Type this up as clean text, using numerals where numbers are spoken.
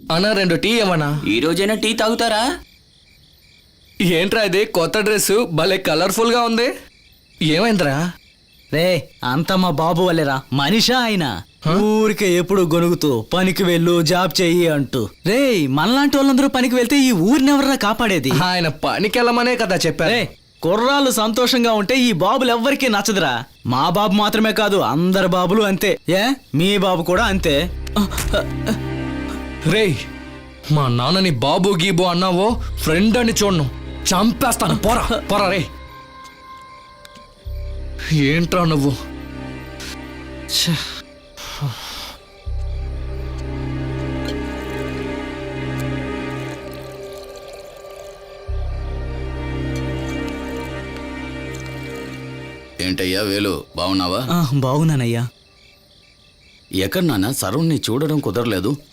అన్నా 2 టీ ఏమన్నా? ఈ రోజైనా టీ తాగుతారా? ఏంట్రా ఇది కొత్త డ్రెస్ భలే కలర్ఫుల్ గా ఉంది, ఏమైందిరా? రే అంత మా బాబు వల్లేరా, మనిషా ఆయన ఊరికే ఎప్పుడు గొనుగుతూ పనికి వెళ్ళు జాబ్ చెయ్యి అంటూ. రే మనలాంటి వాళ్ళందరూ పనికి వెళ్తే ఈ ఊరిని ఎవరన్నా కాపాడేది? ఆయన పనికి వెళ్ళమనే కదా చెప్పారు. రే కుర్రాళ్ళు సంతోషంగా ఉంటే ఈ బాబులు ఎవ్వరికీ నచ్చదురా. మా బాబు మాత్రమే కాదు, అందరు బాబులు అంతే. మీ బాబు కూడా అంతే. రేయ్, మా నాన్నని బాబు గీబు అన్నావో ఫ్రెండ్ అని చూడను, చంపేస్తాను. పోరా పోరా రే. ఏంట్రా నువ్వు? ఛే. ఏంటయ్యా వేలు, బాగున్నావా? బాగున్నానయ్యా. ఎక్కడ నాన్న, సరౌండ్ని చూడడం కుదరలేదు.